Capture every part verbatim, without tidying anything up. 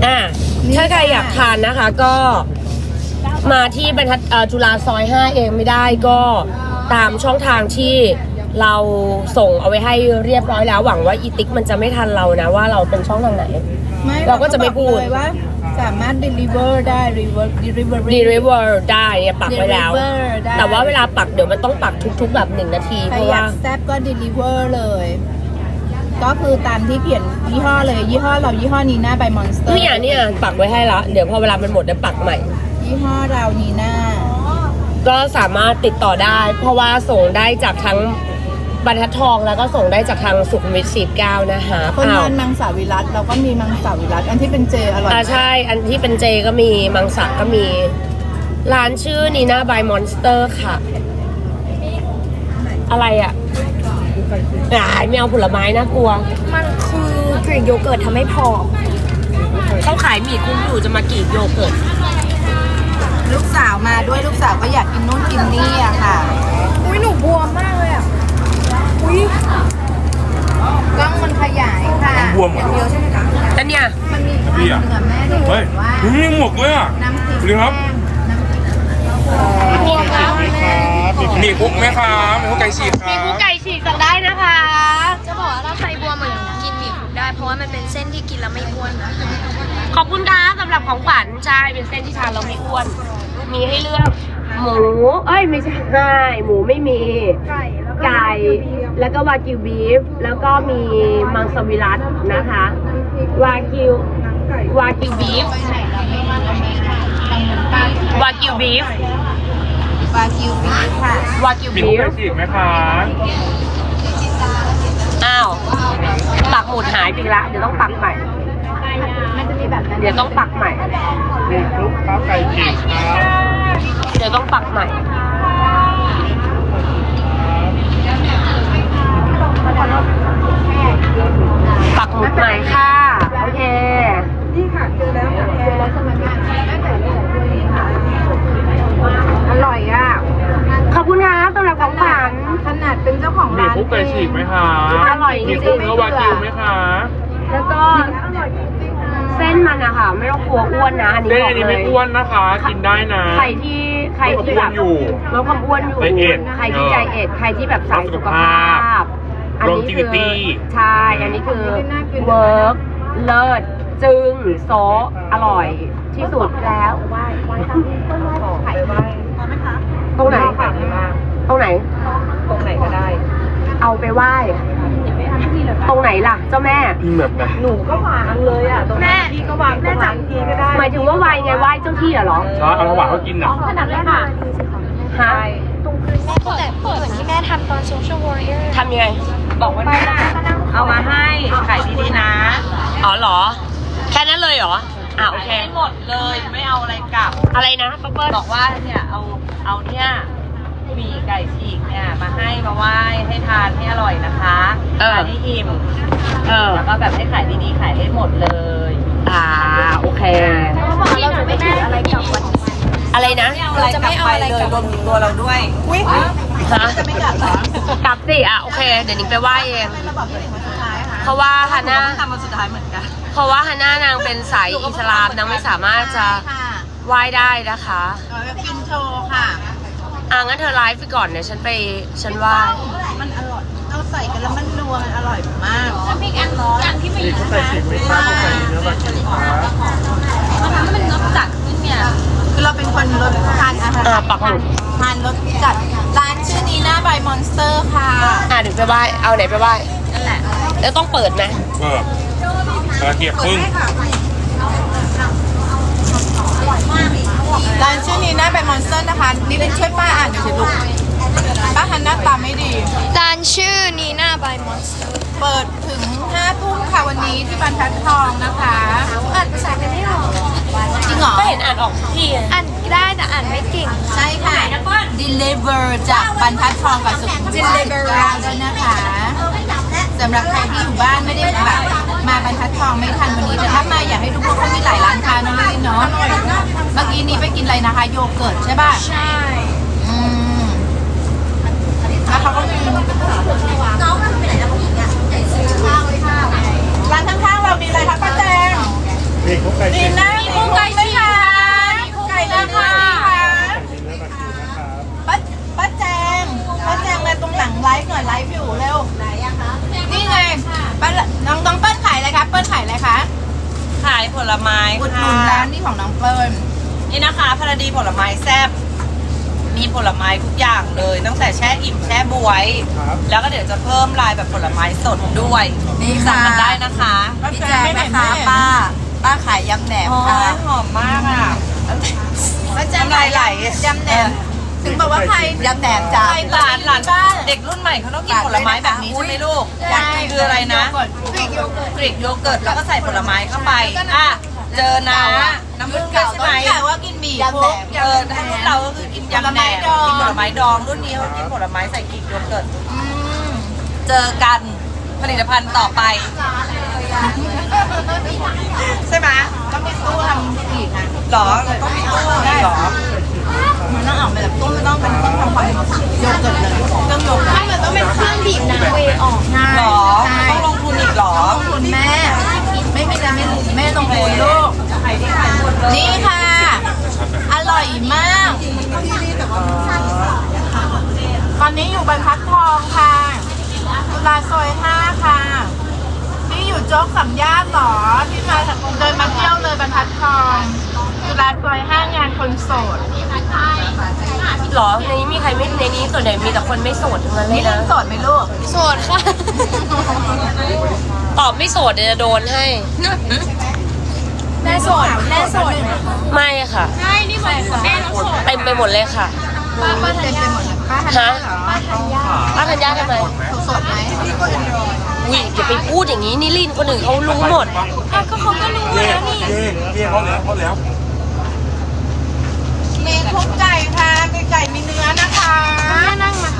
อ่าถ้าใครอยากทานนะคะก็มาที่บรรทัดจุฬาซอยห้าเองไม่ได้ก็ตามช่องทางที่เราส่งเอาไว้ให้เรียบร้อยแล้วหวังว่าอีติ๊กมันจะไม่ทันเรานะว่าเราเป็นช่องทางไหนเราก็จะไม่พูดเลยว่าสามารถ deliver ได้ deliver delivery deliver ได้เนี่ยปักไว้แล้วแต่ว่าเวลาปักเดี๋ยวมันต้องปักทุกๆแบบหนึ่งนาทีเพราะว่าแซ่บก็ deliver เลยก็คือตามที่เขียนยี่ห้อเลยยี่ห้อเรายี่ห้อนีน่า by Monster เนี่ยเนี่ยปักไว้ให้ละเดี๋ยวพอเวลามันหมดจะปักใหม่ยี่ห้อเรานีน่าก็สามารถติดต่อได้เพราะว่าส่งได้จากทั้งบรรทัดทองแล้วก็ส่งได้จากทางสุขุมวิทสี่สิบเก้านะคะคนทานมังสวิรัตเราก็มีมังสวิรัตอันที่เป็นเจอร่อยอ่าใช่อันที่เป็นเจก็มีมังสะก็มีร้านชื่อนีน่า by Monster ค่ะอะไรอ่ะอ่าไม่เอาผลไม้น่ากลัวมันคือกรีกโยเกิร์ตทำให้ผอมต้องขายหมี่คุ้มอยู่จะมากรีกโยเกิร์ตลูกสาวมาด้วยลูกสาวก็อยากกินนู่นกินนี่อะค่ะอุ้ยหนูบวมมากเลยอ่ะอุ้ยกล้องมันขยายค่ะบวมเหรอเดียวใช่ไหมคะแต่เนี่ยมันมีเนื้อแม่ด้วยเฮ้ยมีหมกเลยอ่ะน้ำพริกดีครับบวมมากแม่มีคุกไหมครับมีคุกไก่ฉีกครับมีคุกไก่ฉีกสั่งได้นะคะจะบอกว่าถ้าใครบวมเหมือนกินหมี่คุกได้เพราะว่ามันเป็นเส้นที่กินแล้วไม่อ้วนนะขอบคุณค่ะสำหรับของขวัญใช่เป็นเส้นที่ทานเราไม่อ้วนมีให้เลือกหมูเอ้ยไม่ใช่หมูไม่มีไก่แล้วก็วากิวบีฟแล้วก็มีมังสวิรัตนะคะวากิววากิวบีฟวากิวบีฟวากิวบีฟค่ะวากิวบีฟมีคุกไก่ฉีกไหมคะอ้าวปักหมุดหายไปละเดี๋ยวต้องปักใหม่มันจะมีแบบนั้นเดี๋ยวต้องปักใหม่มีคุกข้าวไก่ฉีกครับเดี๋ยวต้องปักใหม่ปักหมุดใหม่ค่ะโอเคนี่ค่ะเจอแล้วเจอแล้วสมัยงานได้แต่นี่แต่ด้วยนี่ค่ะอร่อยอ่ะขอบคุณค่ะสำหรับของขวัญขนาดเป็นเจ้าของร้านมีคุกไก่ฉีกไหมคะอร่อยจริงๆมีคุกเนื้อวากิวไหมคะแล้วก็เส้นมันอะค่ะไม่ต้องกลัวอ้วนนะอันนี้บอกเลยเส้นอันนี้ไม่อ้วนนะคะกินได้นะใครที่ใครที่แบบลดความอ้วนอยู่ใครที่ใจเอ็ดใครที่แบบสายสุขภาพอันนี้คือใช่อันนี้คือเวิร์กเลิศจึงโซอร่อยที่สุดแล้วไหว้ไหว้ทำต้นไหว้ไข่ไหว้ไหมคะตรงไหนตรงไหนตรงไหนก็ได้เอาไปไหว้ตรงไหนล่ะเจ้าแม่แบบไหนหนูก็วางเลยอ่ะตรงนี้พี่ก็วางแม่จับทีก็ได้หมายถึงว่าไหว้ไงไหว้เจ้าที่เหรอใช่เอาถวายเขากินนะขนาดนั้นค่ะฮะตรงคืนแม่แต่เหมือนที่แม่ทำตอน Social Warrior ทำยังไงบอกว่าเอามาให้ขายดีๆนะอ๋อเหรอแค่นั้นเลยเหรออ่ะโอเคหมดเลยไม่เอาอะไรกลับอะไรนะป๊อปเปิ้ลบอกว่าเนี่ยเอาเอาเนี่ยหมี่ไก่ฉีกเนี่ยมาให้มาไหว้ให้ทานให้อร่อยนะคะทานให้อิ่มเออแล้วก็แบบให้ขายดีๆขายให้หมดเลยอ่าโอเคเราจะไม่ถืออะไรกลับวันอะไรนะเราจะไม่เอาอะไรกลับรวมถึงตัวเราด้วยอุ้ยฮะจะไม่กลับเหรอกลับสิอ่ะโอเคเดี๋ยวนิ้งไปไหว้เองเพราะว่าฮาน่าทำมาสุดท้ายเหมือนกันเพราะว่าฮาน่านางเป็นสายอิสลามนางไม่สามารถจะไหว้ได้นะคะกินโชว์ค่ะอ่ะงั้นเธอไลฟ์ไปก่อนเดี๋ยวฉันไปฉันไหว้มันอร่อยเราใส่กันแล้วมันนัวมันอร่อยมากแล้วมีอันอย่างที่ไม่คุกไก่ฉีกไหมคะคุกไก่เนื้อวากิวมันทำให้มันรสจัดขึ้นเนี่ยคือเราเป็นคนรสทานอาหารอ่าปักหมุดทานรสจัดร้านชื่อนีน่า by Monster ค่ะอ่าเดี๋ยวไปไหว้เอาไหนไปไหว้นั่นแหละแล้วต้องเปิดไหมเปิดกระเทียมพึ่งร้านชื่อนีน่า by Monster นะคะนี่เป็นช่วยป้าอ่านหน่อยสิลูกป้าฮันหน้าตาไม่ดีร้านชื่อนีน่า by Monster เปิดถึงห้าทุ่มค่ะวันนี้ที่บรรทัดทองนะคะอ่านภาษากันไม่ออกจริงเหรอก็เห็นอ่านออกที่อ่านได้แต่อ่านไม่เก่งใช่ค่ะ deliver จากบรรทัดทองกับสุขุมวิท deliver ด้วยนะคะสำหรับใครที่อยู่บ้านไม่ได้แบบมาบรรทัดทองไม่ทันวันนี้แต่ถ้ามาอยากให้ดูพวกเขามีหลายร้านค้าน้องลินเนาะเมื่อกี้นี้ไปกินอะไรนะคะโยเกิร์ตใช่ป่ะใช่อืมแล้วเขาก็มีน้องมันไปไหนแล้วผู้หญิงอ่ะร้านข้างๆเรามีอะไรคะป้าแจงมีคุกไก่ฉีายผลไม้อุดหนุนร้านนี้ของน้องเปิ้ลนี่นะคะพลดีผลไม้แซ่บมีผลไม้ทุกอย่างเลยตั้งแต่แช่อิ่มแช่บวย แล้วก็เดี๋ยวจะเพิ่มลายแบบผลไม้สดด้วยนี่สั่งค่ะกันได้นะคะพี่แจ๊คนะคะป้าป้าขายยำแหนมโอ้ค่ะยหอมมากอ่ะป้าแจ๊คน้ำลายไหลยำแหนมถึงบอกว่าใครยำแหนมจ้าหลานหลานเด็กรุ่นใหม่เขาต้องกินผลไม้แบบนี้ใช่ไหมลูกใช่คืออะไรนะกรีกโยเกิร์ตกรีกโยเกิร์ตแล้วก็ใส่ผลไม้เข้าไปอ่ะเจอนะน้ำผึ้งด้วยใช่ไหมแต่ว่ากินหมี่ยำแหนมเออถ้ารุ่นเราก็คือกินยำแหนมกินผลไม้ดองรุ่นนี้เขากินผลไม้ใส่กรีกโยเกิร์ตอืมเจอกันผลิตภัณฑ์ต่อไป ใช่ไหมต้องมีตู้ทำอีกนะหรอเราต้องมีตู้ได้หรอมันต้องออกมาแบบตู้ไม่ต้องเป็นต้องทำความโยเกิร์ตเลยต้องโยเกิร์ตไม่มันต้องเป็นเครื่องบีบน้ำเวออกง่ายหรอต้องลงทุนอีกหรอลงทุนแม่ ไม่ไม่จะไม่แม่ต้องทุนลูก นี่ค่ะ อร่อยมาก ตอนนี้อยู่บรรทัดทองค่ะจุฬาซอยห้าค่ะ นี่อยู่โจ๊กสามย่านหรอ ที่มาเดินมาเที่ยวเลยบรรทัดทองจุฬาซอยห้างานคนโสดหรอในนี้มีใครไม่ในนี้ส่วนใหญ่มีแต่คนไม่โสดทั้งนั้นเลนี่ยเรื่อนะงโสดไหมลูกโสดค่ะตอบไม่โสดเดี๋ยวจะโดนให้แม่โสดแม่โสดไหมไม่ค่ะใช่นี่บอกแม่ต้องโสดเต็มไปหมดเลยค่ะป้าป้าเต็มไปหมดเลยป้าทันฮะเหรอป้าธัญญาทำไมโสดไหมอุ้ยอย่าไปพูดอย่างนี้นี่ลินคนอื่นเขารู้หมดอ่ะก็เขาก็รู้เย่แล้วนี่เย่เย่เขาแล้วเขาแล้วมีคุกไก่ค่ะไก่ไก่มีเนื้อนะคะแม่นั่งมา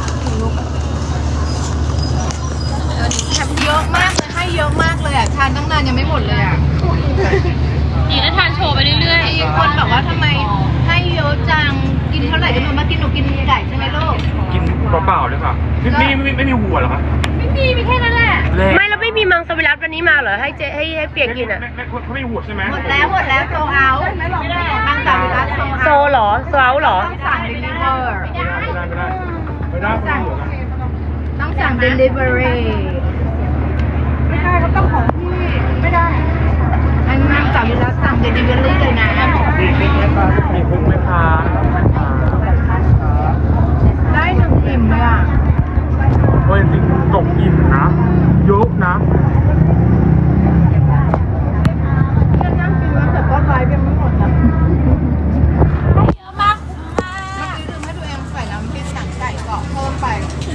เยอะมากเลยให้เยอะมากเลยอ่ะทานตั้งนานยังไม่หมดเลยอ่ะดีนะทานโชว์ไปเรื่อยมีคนบอกว่าทำไมให้เยอะจังกินเท่าไหร่ก็ไม่รู้มากินหนูกินไก่ใช่ไหมลูกกินเปล่าๆเลยค่ะนี่ไม่ไม่มีหัวเหรอคะๆไม่มีมีแค่นั้นแหละเล่ไม่แล้วไม่มีมังสวิรัตวันนี้มาเหรอให้เจให้ให้เปียกกินอ่ะไม่ไม่เขาไม่มีหัวใช่ไหมหมดแล้วหมดแล้วโซเอาบางสาขาโซโซเอาเหรอโซเอาเหรอต้องสั่งเดลิเวอร์ไม่ได้ไม่ได้ไม่ได้ไม่ได้ไม่มีหัวกันต้องสั่งเดลิเวอรี่ไม่ได้เขาต้องของพี่ไม่ได้อันนั้นสั่งแล้วสั่งเดลิเวอรี่เลยนะมีคุกไหมคะมีคุกไหมคะได้หนึ่งอิ่มเลยอ่ะเฮ้ยจริงตกอิ่มนะยกนะนั่งกินแล้วแต่ก็ไลฟ์ยังไม่หมดนะเยอะมากคุ้มมากเมื่อกี้ลืมให้ตัวเองใส่น้ำพริกหนังไก่กรอบเพิ่มไป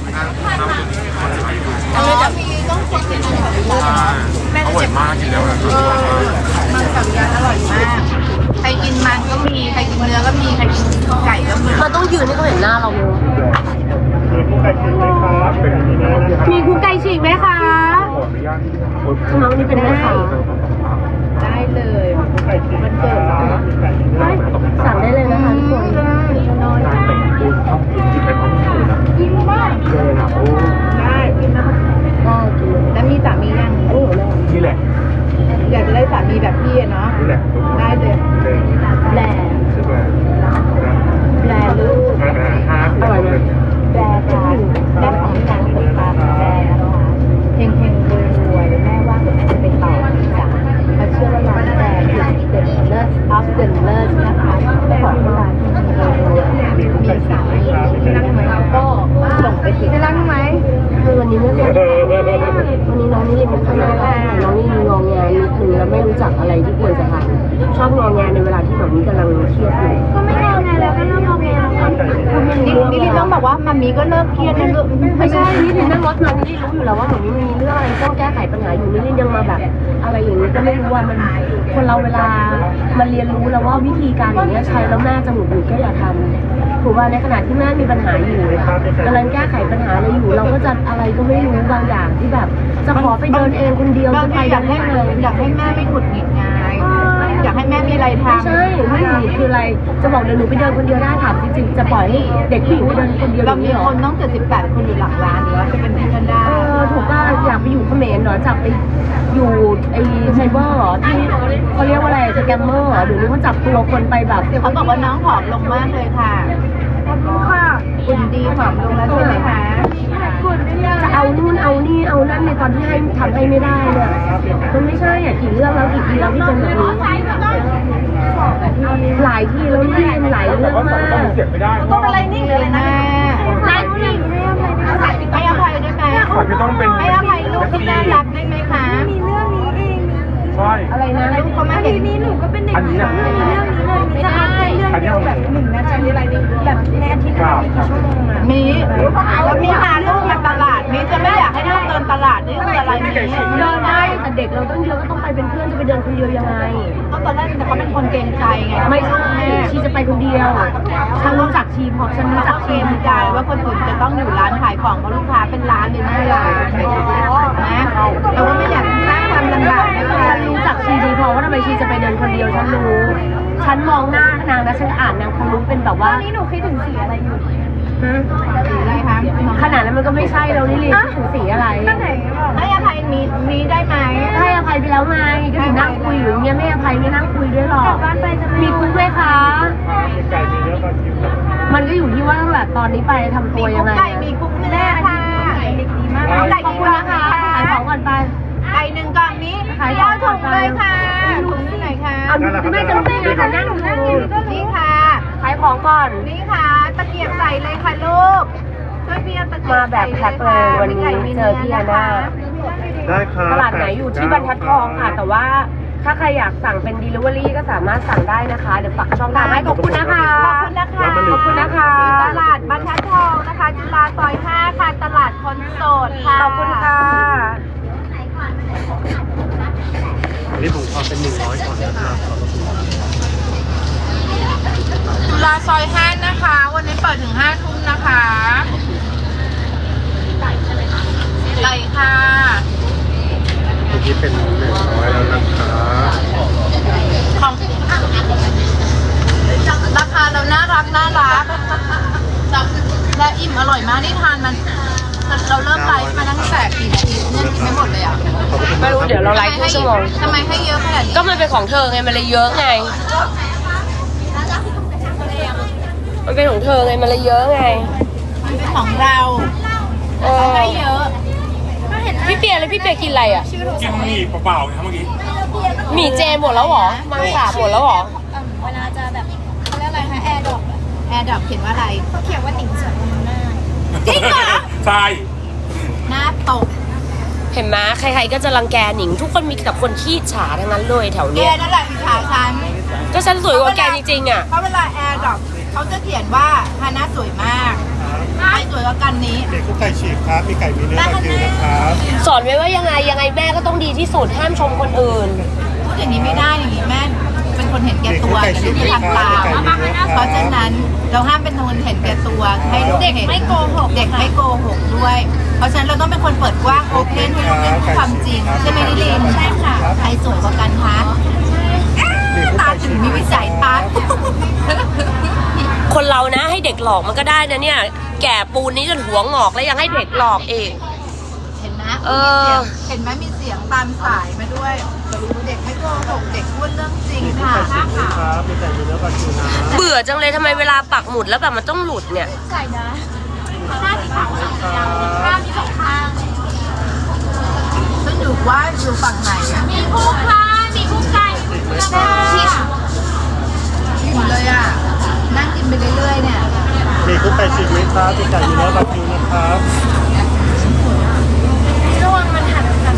อเออแต่มีต้องคนกินมันแบบนี้ร่อยมากกินแล้วนะเออมันสังยานอร่อยมาก ใครกินมันก็มี ใครกินเนื้อก็มี ใครกินไก่ก็มีมันต้องยืนให้เขาเห็นหน้าเราเลยไก่กินไหมครับเป็นอย่างนี้นะมีคุกไก่ฉีกไหมคะขออนุญาตทำไมวันนี้เป็นแม่ค้าได้เลยไก่กินมันเกิดนะได้สั่งได้เลยนะคะทุกคนการแต่งตัวชอบกินกินไปพร้อมกันนะกินมากเลยนะโอ้ได้กินนะคะได้กินเลยแล้วมีสามียังโอ้โหแม่นี่แหละอยากจะได้สามีแบบพี่อะเนาะนี่แหละได้เลยเลยแหลใช่ไหมแลลูกห้าสิบเลยแลค่ะได้ของนางตกตาแลนะคะเฮงเฮงรวยรวยแม่ว่าเดี๋ยวแม่จะไปต่ออีกจ้ะเขาเชื่อว่าร้านแลคือ the nurse of the nurse นะคะเจ้าของร้านมีมีสามีที่นั่งไหมก็ส่งไปถึงนั่งไหมคือวันนี้ไม่ค่อยได้วันนี้น้องนี่เรียนไม่ค่อยได้น้องนี่งองแงนิดนึงแล้วไม่รู้จักอะไรที่ควรจะทำชอบงองแงในเวลาที่แบบนี้กำลังเครียดอยู่ก็ไม่เอาไงแล้วก็เริ่มเอาไงแล้วนี่นี่ลิต้องบอกว่ามัมมี่ก็เลิกเครียดนะลูกไม่ใช่นี่ลินนั่งรถมานี่ลินรู้อยู่แล้วว่าหนูมีเรื่องอะไรต้องแก้ไขปัญหาอยู่นี่ลินยังมาแบบอะไรอย่างนี้ก็ไม่รู้ว่ามันคนเราเวลามันเรียนรู้แล้วว่าวิธีการอย่างนี้ใช้แล้วแม่จะหงุดหงิดก็อย่าทำถูกว่าในขณะที่แม่มีปัญหาอยู่กำลังแก้ไขปัญหาอะไรอยู่เราก็จะอะไรก็ไม่รู้บางอย่างที่แบบจะขอไปเดินเองคนเดียวบางจะไปทีอยากให้ได้เลยอยากให้แม่ไม่หงุดหงิดไงอยากให้แม่มีอะไรทำใช่ไม่หงุดหงิดคืออะไรจะบอกเดี๋ยวหนูไปเดินคนเดียวได้ถามจริงๆจะปล่อยให้เด็กผู้หญิงไปเดินคนเดียวอเราย่างมีนี้เหรอคนต้องเจ็ดสิบแปดคนอยู่หลักร้านแล้วจะเป็นเพื่อนได้เออถูกป่ะอยากไปอยู่เขมรเหรอจับไปอยู่ไอ้ไซเบอร์เหรอที่เขาเรียกว่าอะไรสแกมเมอร์เหรอเดี๋ยวนี้เขาจับตัวคนไปแบบเขาบอกว่าน้องผอมลงมากเลยค่ะขอบคุณค่ะคุณดีผอมลงแล้วใช่ไหมคะจะเอานู่นเอานี่เอานั่นในตอนที่ให้ทำให้ไม่ได้เนี่ยมันไม่ใช่อ่ะกี่เรื่องแล้วกี่ทีแล้วที่เป็นแบบนี้หลายทีแล้วนี่หลายเรื่องมากเสียบไม่ได้ต้องอะไรนี่เลยนะให้อภัยให้อภัยได้ไหมขอจะต้องเป็นให้อภัยลูกที่น่ารักได้ไหมคะมีเรื่องนี้เองใช่อะไรนะลูกเขามาเห็นนี้หนูก็เป็นเด็กอันนี้นะนะมีเรื่องนี้เลยมีจะเอาแค่เรื่องเดียวแบบหนึ่งนาทีอะไรนี่แบบในอาทิตย์ละมีกี่ชั่วโมงอะมีแล้วมีพาลูกมาตลาดมีจะไม่อยากให้ลูกเดินตลาดนี่คืออะไรมีเดินได้แต่เด็กเราต้องเยอะก็ต้องไปเป็นเพื่อนจะไปเดินคนเดียวยังไงก็ตอนแรกแต่เขาเป็นคนเกรงใจไงไม่ใช่ชีจะไปคนเดียวฉันรู้จักชีเพราะฉันรู้จักเกชีรงดีใจว่าคนอื่นจะต้องอยู่ร้านขายของเพราะลูกค้าเป็นร้านเลยนะเรานะเราก็ไม่อยากสร้างความลำบากนะคะฉันรู้จักชีดีเพราะว่าทำไมชีจะไปเดินคนเดียวฉันรู้ ฉันมองหน้านางนะฉันอ่านนางคงรู้เป็นแบบว่านี่หนูคิดถึงสีอะไรอยู่หืมสีอะไรคะขนาดนั้นมันก็ไม่ใช่เรานี่ลีถึงสีอะไรก็ไหนบอกให้อภัยมีมีได้ไหมให้อภัยไปแล้วไงก็ถึงนั่งคุยอยู่อย่างเงี้ยไม่อภัยไม่นั่งคุยด้วยหรอกบ้านไปจะมีคุกไหมคะไก่มีเนื้อปลาคิวมันก็อยู่ที่ว่าตั้งแต่ตอนนี้ไปทำตัวยังไงไก่มีคุกเนื้อค่ะเด็กดีมากไก่ขอบดีคุณมานะกคะค่ะขายของก่อนไปไก่หนึ่งกล่องนี้ขายเดี๋ขยอวงก่ถุอนงไปเลยค่ะถุงที่ไหนคะเอาไม่จำเป็นนะแต่นั่งอยู่นี่ค่ะขายของก่อนนี่ค่ะ ตะเกียบใส่เลยค่ะลูกช่วยพี่เอาตะเกียมาบแบบแพ็คเลยวันนี้เจอพี่อาน่าได้ครับตลาดไหนอยู่ที่บรรทัดทองค่ะ แต่ว่าถ้าใครอยากสั่งเป็น delivery ก็สามารถสั่งได้นะคะ เดี๋ยวปักช่องทางให้ขอบคุณนะคะขอบคุณนะคะขอบคุณนะคะตลาดบรรทัดทองนะคะ จุฬาซอยห้าค่ะ ตลาดคนโสดค่ะขอบคุณค่ะอันนี้ผมขอเป็นหนึ่งร้อยก่อนนะครับจุฬาซอยห้านะคะ วันนี้เปิดถึงห้าทุ่มนะคะไก่ค่ะเมื่อกี้เป็นหนึ่งร้อยแล้วนะครับของราคาเราน่ารักน่ารักและอิ่มอร่อยมากนี่ทานมัน เราเริ่มไลฟ์มาตั้งแต่กี่นาทีเนี่ยกินไม่หมดเลยอ่ะไม่รู้เดี๋ยวเราไลฟ์ครึ่งชั่วโมงทำไมให้เยอะขนาดนี้ก็มันเป็นของเธอไงมันเลยเยอะไง มันเป็นของเธอไงมันเลยเยอะไงมันเป็นของเราเออให้เยอะพี่เปียเลยพี่เปียกินอะไรอ่ะกินหมี่เปล่าๆนะเมื่อกี้หมี่เจหมดแล้วเหรอ มังสาหมดแล้วเหรอเวลาจะแบบเขาเรียกอะไรคะแอร์ดรอปแอร์ดรอปเขียนว่าอะไรเขาเขียนว่าติ่งสวนมันหน้าจริงเหรอใช่หน้าตกเห็นไหมใครๆก็จะรังแกหนิง ทุกคนมีแต่คนขี้ฉาทั้งนั้นเลยแถวแกเนี้ยนั่นแหละอิจฉาฉันก็ฉันสวยกว่าแกจริงๆอ่ะเพราะเวลาแอร์ดรอปเขาจะเขียนว่าฮาน่าสวยมากใครสวยกว่ากันนี้เด็กกุ๊กไก่ฉีกครับ มีไก่มีเนื้อปลาคิวนะครับสอนไว้ว่ายังไงยังไงแม่ก็ต้องดีที่สุดห้ามชมคนอื่นพูดอย่างนี้ไม่ได้อย่างนี้แม่เป็นคนเห็นแก่ตัวแต่ลูกจะทำตามเพราะฉะนั้นเราห้ามเป็นคนเห็นแก่ตัวให้ลูกเด็กไม่โกหกเด็กไม่โกหกด้วย เพราะฉะนั้นเราต้องเป็นคนเปิดกว้างโอเพนให้ลูกได้พูดความจริงใช่ไหมนิลินใช่ค่ะใครสวยกว่ากันคะตาถึงมีวิสัยทัศน์คนเรานะให้เด็กหลอกมันก็ได้นะเนี่ย แก่ปูนนี้จนหัวงอกแล้วยังให้เด็กหลอกเองเห็นไหมเออเห็นไหมมีเสียงตามสายมาด้วยเด็กไม่โกหกเด็กพูดเรื่องจริงค่ะครับ มีไก่มีเนื้อปลาคิวนะเบื่อจังเลยทำไมเวลาปักหมุดแล้วแบบมันต้องหลุดเนี่ยใส่นะฉันอยู่ว่าอยู่ฝั่งไหนอะมีคู่ค้ามีคู่ไก่มีคู่กระดาษอิ่มเลยอ่ะ นั่งกินไปเรื่อยๆเนี่ยมีกุ๊กไก่ฉีกไหมครับ มีไก่มีเนื้อปลาคิวนะครับระวังมันหันกัน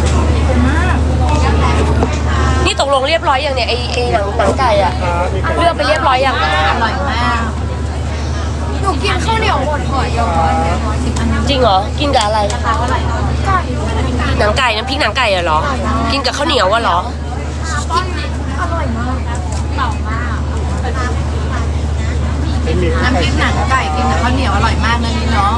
นี่ตกลงเรียบร้อยอย่างเนี่ยไอไอหนังหนังไก่อะเลือกไปเรียบร้อยยังอร่อยมากหนูกินข้าวเหนียวหมดห่อยอจริงเหรอ กินกับอะไรไก่หนังไก่น้ำพริกหนังไก่อะเหรอ กินกับข้าวเหนียวอะเหรออร่อยมากเต่ามากเป็นหมี่กุ๊กน้ำไก่พริกฉีหนักงไก่กินกับข้าวเหนียวอร่อยมากนะนี่เนาะ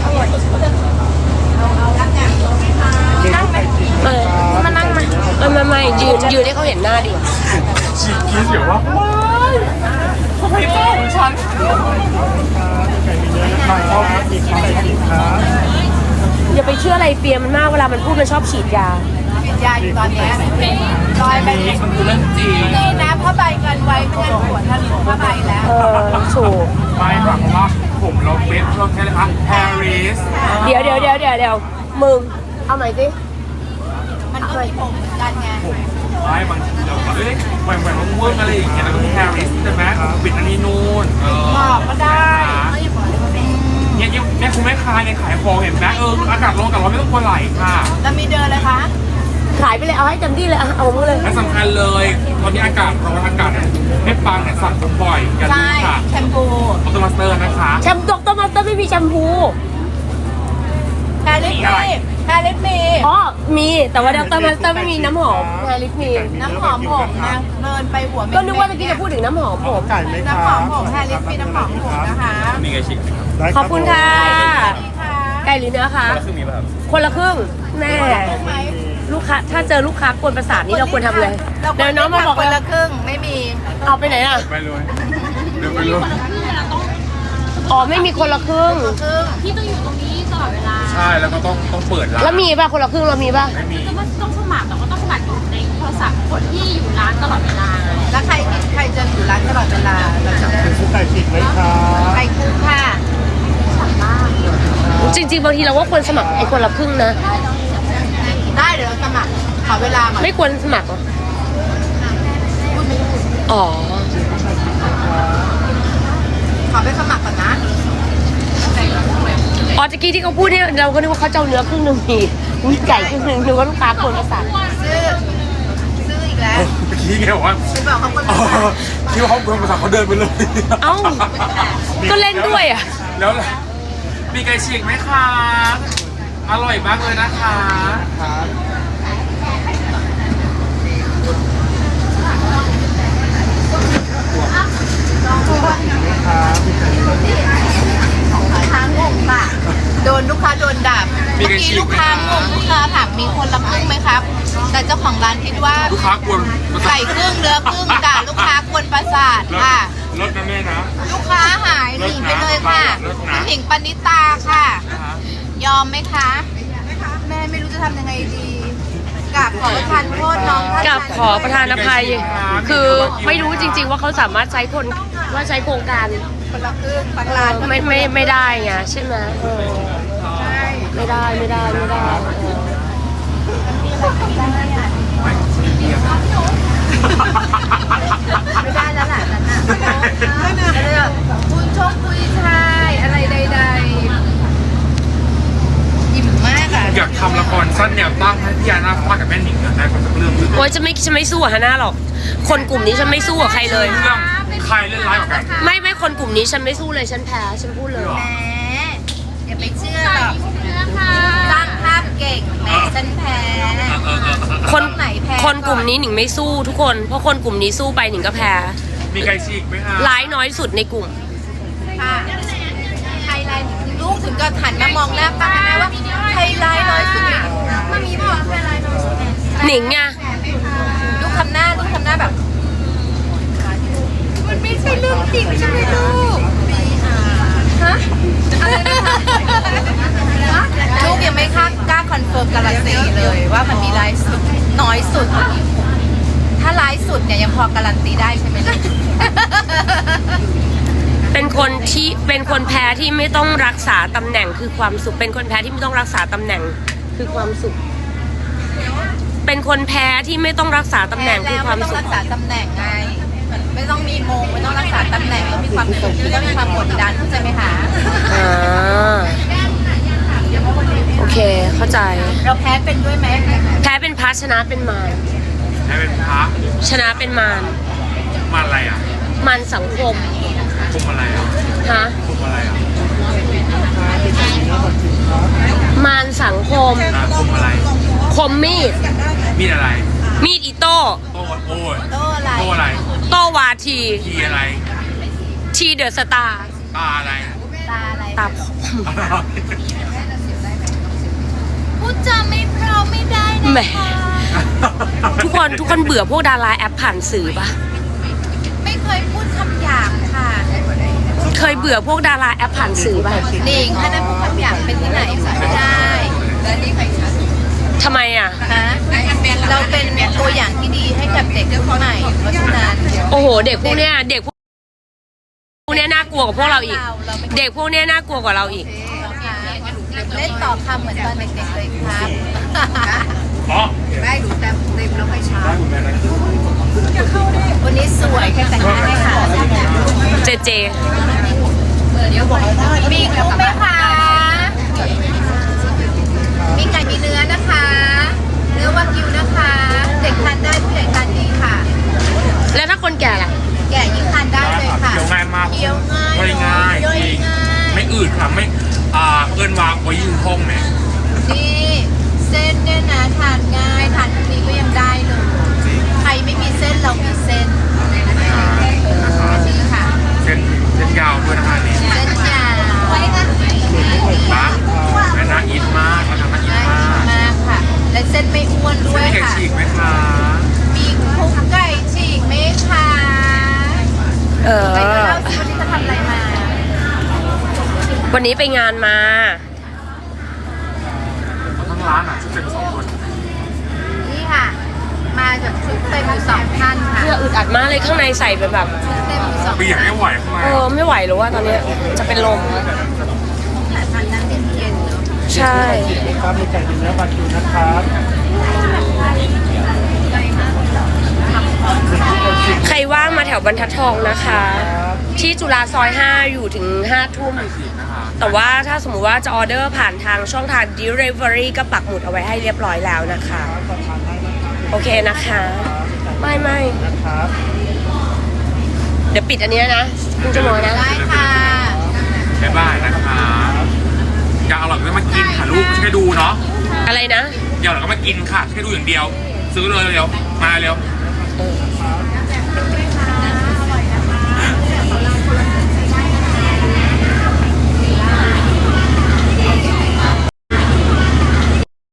มีกุ๊กไก่ฉีกเออมานั่งมาไม่ไม่ไม่ยืนยืนให้เขาเห็นหน้าดีกว่าฉีกคิดเดี๋ยวว่าว้ายทำไมเจ้าของฉันไก่มีเนื้อนะครับมีกุ๊กไก่ฉีกครับอย่าไปเชื่ออะไรเปียมันมากเวลามันพูดมันชอบฉีดยากินยาอยู่ตอนเนี้ยลอยไปนี่นะผ้าใบกันไว้ไม่งั้นปวดทะลุผ้าใบแล้วเออถูกไม่ค่ะเพราะว่าผมผมเราเม็ดเราใช้เลยคะแฮร์ริสเดี๋ยวเดี๋ยวเดี๋ยวเดี๋ยวเดี๋ยวมึง เอาใหม่สิมันก็มีผมเหมือนกันไงผมไม่บางทีเราก็เอ้ยแหว่งแหว่งเวิร์กอะไรอย่างเงี้ยเราก็มีแฮร์ริสใช่ไหมปิดอันนี้นู่นเออบอกก็ได้เนี่ยเนี่ยแม่คุณแม่ค้าเนี่ยขายของเห็นไหมเอออากาศร้อนกับร้อนไม่ต้องกลัวไหลค่ะแล้วมีเดินเลยคะขายไปเลย เอาให้เต็มที่เลยอะเอามึงเลยและสำคัญเลยตอนนี้อากาศร้อนอากาศให้ปังเนี่ยสั่งผมบ่อยอย่าลืใช่มค่ะแชมพูออโตมาสเตอร์นะคะแชมป์ดรมาสเตอร์ไม่มีแชมพูแฮร์ริสมีแฮร์ริสมีอ๋อ มี แต่ว่าดรมาสเตอร์ไม่มีน้ำหอมแฮร์ริสมีน้ำหอมผมนะเดินไปหัวเม็ดก็นึกว่าเมื่อกี้จะพูดถึงน้ำหอมผมไก่ไหมคน้ำหรัอบ มผมแฮร์ริสมีน้ำหอมผมนะคะมีไก่ฉีกขอบคุณค่ะนี่ค่ะไก่หรือเนื้อคะแล้วคือมีป่ะครับคนละครึ่งแม่ไหมลูกค้า ถ้าเจอลูกค้ากวนประสาทนี่เราควรทำเลยเราเดี๋ยวน้องมาบอกคนเลละยครึ่งไม่มีเอาไปไหนอ่ะไปเลยเดี๋ยวไปเลยอ๋อ ไม่มีคนละครึ่งครึ่งที่ต้องอยู่ตรงนี้ตลอดเวลาใช่แล้วก็ต้องต้องเปิดร้านแล้วมีป่ะ คนละครึ่งเรามีป่ะไม่มีก็ต้องสมัครแต่ว่าต้องสมัครอยู่ในโทรศัพท์คนที่อยู่ร้านตลอดเวลาแล้วใครใครจะอยู่ร้านตลอดเวลาเราจะไก่ฉีกไหมครับใครครึ่งค่ะจริงๆ บางทีเราว่าควรสมัครไอ้คนละครึ่งนะได้เดี๋ยวเราสมัครขอเวลาก่อนไม่ควรสมัครเหรออ๋อขอไปสมัครก่อนนะอ๋อตะกี้ที่เขาพูดเนี่ยเราก็นึกว่าเขาจะเอาเนื้อครึ่งหนึ่งมีมีไก่ครึ่งหนึ่งนึกว่าลูกค้าควรประสาทซื้อซื้ออีกแล้วเมื่อกี้ไงบอกว่าไปบอกเขาคนอ๋ละอคิดว่าเขาเป็นภาษาเขาเดินไปเลยเอ้า ก็เล่นด้วยอ่ะแล้วล่ะมีไก่ฉีกไหมคะอร่อยมากเลยนะคะครับค้างงค่ะ โดนลูกค้าโดนด่าเมื่อกี้ลูกค้างงลูกค้าถามมีคนละครึ่งไหมครับ แต่เจ้าของร้านคิดว่าลูกค้ากวนไก่ครึ่งเนื้อครึ่งด่าลูกค้ากวนประสาทรถค่ะรถนะแม่นะลูกค้าหายหนีไปเลยค่ะรถนะคุณหญิงปณิตาค่ะนะคะยอมไหมคะ แม่ไม่รู้จะทำยังไงดีกราบขอประทานโทษน้องท่านกับขอประธานอภัย คือไม่รู้จริง ๆ ว่าเขาสามารถใช้คนว่าใช้โครงการคนละครึ่งบางร้านก็ไม่ไม่ไม่ได้ไงใช่ไหมเออใช่ไม่ได้ไม่ได้ไม่ได้เออไม่ได้แล้วแหละนั่นน่ะอะไรแบบคุณชกคุยชายอะไรใดๆอิ่มมากอ่ะอยากทำละครสั้นแนวตั้งให้พี่ยานาฟาดกับแม่หนิงเนี่ยได้คนสักเรื่องหนึ่งโอ้ยฉันไม่ฉันไม่สู้กับฮาน่าหรอก คนกลุ่มนี้ฉันไม่สู้กับใครเลยเรื่องใครเล่นร้ายกว่ากันไม่ไม่คนกลุ่มนี้ฉันไม่สู้เลยฉันแพ้ฉันพูดเลยแหมอย่าไปเชื่อหรอกสร้างภาพเก่งแหมฉันแพ้คนไหนแพ้คนกลุ่มนี้หนิงไม่สู้ทุกคน เพราะคนกลุ่มนี้สู้ไปหนิงก็แพ้มีไก่ฉีกไหมคะร้ายน้อยสุดในกลุ่มค่ะไทยไลน์ลูกถึงก็หันมามองหน้าป้าแม่ว่าไทยไลน์น้อยสุดมันมีบอกไทยไลน์น้อยสุดหนิงไงลูกทำหน้าลูกทำหน้าแบบ มันไม่ใช่เรื่องจริงใช่ไหมลูกฮะอะไรนะคะลูกยังไม่กล้ากล้าคอนเฟิร์มการันตีเลยว่ามันมีไลฟ์สุดน้อยสุด ถ้าไลฟ์สุดเนี่ยยังพอการันตีได้ใช่ไหมลูกเป็นคนที่เป็นคนแพ้ที่ไม่ต้องรักษาตำแหน่งคือความสุข เป็นคนแพ้ที่ไม่ต้องรักษาตำแหน่งคือความสุข เป็นคนแพ้ที่ไม่ต้องรักษาตำแหน่งคือความไม่ต้องสุขรักษาตำแหน่งไงไม่ต้องมีโมงไม่ต้องรักษาตำแหน่งแล้วมีความสุขไม่ต้องมีความกดดันเข้าใจไหมคะอ่าโอเคเข้าใจเราแพ้เป็นด้วยไหมแพ้เป็นพระชนะเป็นมารให้เป็นพระชนะเป็นมารมาอะไรอ่ะมารสังคมคุมอะไรอ่ะฮะคุมอะไรอ่ะมารสังคมอ่ะคุมอะไรคมมีดมีดอะไรมีดอิโต้โต้โอ้ยโต้อะไรโต้อะไรโต้วาทีทีอะไรทีเดอะสตาร์ตาอะไรตาอะไรตาผมพูดจาไม่เพราะไม่ได้แหมนะคะทุกคนทุกคนเบื่อพวกดาราแอปผ่านสื่อปะไม่เคยพูดคำหยาบค่ะเคยเบื่อพวกดาราแอปผ่านสื่อปะหนิงถ้านั้นพูดคำหยาบเป็นที่ไหนไม่ได้และนี่ใครชัดทำไมอ่ะฮะเราเป็นตัวอย่างที่ดีให้กับเด็กรุ่นใหม่เพราะฉะนั้นโอ้โห เด็กพวกเนี้ยเด็กพวกเนี้ยน่ากลัวกว่าพวกเราอีก เด็กพวกเนี้ยน่ากลัวกว่าเราอีกเล่นต่อคำเหมือนตอนเด็กๆเลยครับอ๋อได้ดูเต็มเต็มแล้วค่อยช้าได้คุณแม่นะวันนี้สวยแค่แต่งหน้าให้ค่ะเจเจมีกุ้งไหมคะ มีไก่มีเนื้อนะคะ เนื้อวากิวนะคะ เด็กทานได้ผู้ใหญ่ทานดีค่ะแล้วถ้าคนแก่ล่ะแก่ยิ่งทานได้เลยค่ะเคี้ยวง่ายมากเคี้ยวง่ายย่อยง่ายย่อยจริงง่ายไม่อืดค่ะไม่อ่าเอิ้นวางไว้ยืนห้องเนี่ยนี่เส้นเนี่ยนะทานง่ายทานพรุ่งนี้ก็ยังได้เลย ใครไม่มีเส้นเรามีเส้นนี่ค่ะเส้นเส้นยาวด้วยนะคะนี่เส้นยาวไว้ค่ะนะแม่น่าอินมากนะคะน่าอินน่ามากกินมากค่ะ และเส้นไม่อ้วนด้วเส้นยไก่ค่ะฉีกไหมคะมีคุกไก่ฉีกไหมคะเออไปก็เล่าสิวันนี้จะทำอะไรมาวันนี้ไปงานมาทั้งร้านอ่ะชุดเต็มสองคนนี่ค่ะ มาจากชุดเต็มอยู่สองท่านค่ะเสื้ออึดอัดมากเลยข้างในใส่เป็นแบบเต็มอยู่สองเปียกไม่ไหวทำไมเออไม่ไหวหรือว่าตอนเนี้ยจะเป็นลมแต่ทานน้ำเย็นๆเนาะใช่ครับมีไก่เนื้อบาคิวนะครับใครว่างมาแถวบรรทัดทองนะคะ ที่จุฬาซอยห้าอยู่ถึงห้าทุ่ม แต่ว่าถ้าสมมุติว่าจะออเดอร์ผ่านทางช่องทาง Delivery ก็ปักหมุดเอาไว้ให้เรียบร้อยแล้วนะคะ โอเคนะคะ ไม่ไม่เดี๋ยวปิดอันเนี้ยนะคุณจะมองนะได้ค่ะบ๊ายบายนะคะอยากอร่อยก็มากินค่ะลูกไม่ใช่แค่ดูเนาะอะไรนะอยากอร่อยก็มากินค่ะแค่ดูอย่างเดียว ซื้อเลยเร็วมาเร็วเออ